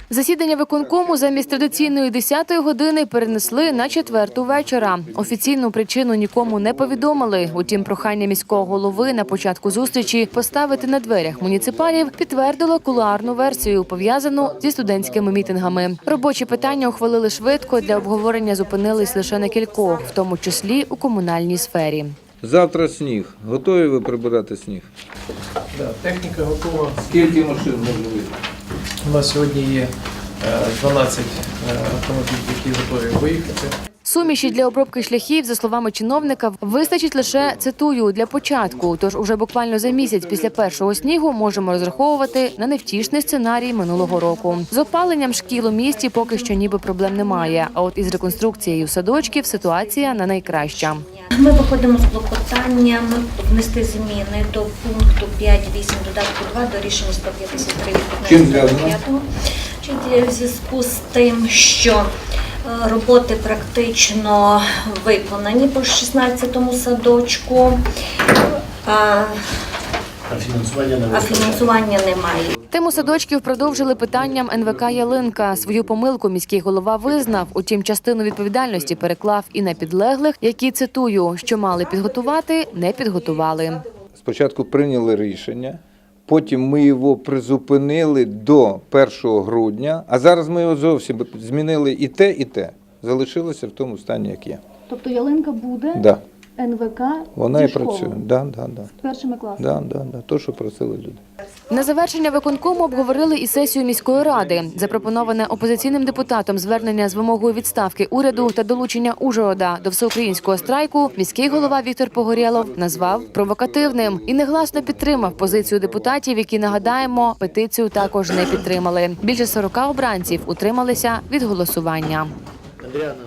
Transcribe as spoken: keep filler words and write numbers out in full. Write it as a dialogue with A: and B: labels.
A: Засідання виконкому замість традиційної десятої години перенесли на четверту вечора. Офіційну причину нікому не повідомили. Утім, прохання міського голови на початку зустрічі поставити на дверях муніципалів підтвердило кулуарну версію, пов'язану зі студентськими мітингами. Робочі питання ухвалили швидко, для обговорення зупинились лише на кількох, в тому числі у комунальній сфері.
B: Завтра сніг. Готові ви прибирати сніг?
C: Да, техніка готова.
B: Скільки машин може бути?
C: У нас сьогодні є дванадцять автомобілів, які готові виїхати.
A: Суміші для обробки шляхів, за словами чиновника, вистачить лише, цитую, для початку. Тож уже буквально за місяць після першого снігу можемо розраховувати на невтішний сценарій минулого року. З опаленням шкіл у місті поки що ніби проблем немає. А от із реконструкцією садочків ситуація не найкраща.
D: Ми виходимо з клопотанням внести зміни до пункту п'ять вісім додатку два до рішення сто п'ятдесят три від
B: Чим зв'язано?
D: В зв'язку з тим, що роботи практично виконані по шістнадцятому садочку, а фінансування немає.
A: Тему садочків продовжили питанням ен ве ка «Ялинка». Свою помилку міський голова визнав, утім частину відповідальності переклав і на підлеглих, які, цитую, що мали підготувати, не підготували.
B: Спочатку прийняли рішення, потім ми його призупинили до першого грудня, а зараз ми його зовсім змінили і те, і те. Залишилося в тому стані, як є.
E: Тобто ялинка буде,
B: Да.
E: ен ве ка
B: Вона
E: зі
B: і
E: школи,
B: працює. Да, да, да.
E: з першими класами.
B: Да, да, да. То, що просили люди.
A: На завершення виконкому обговорили і сесію міської ради. Запропоноване опозиційним депутатом звернення з вимогою відставки уряду та долучення Ужгорода до всеукраїнського страйку міський голова Віктор Погорєлов назвав провокативним і негласно підтримав позицію депутатів, які, нагадаємо, петицію також не підтримали. Більше сорока обранців утрималися від голосування.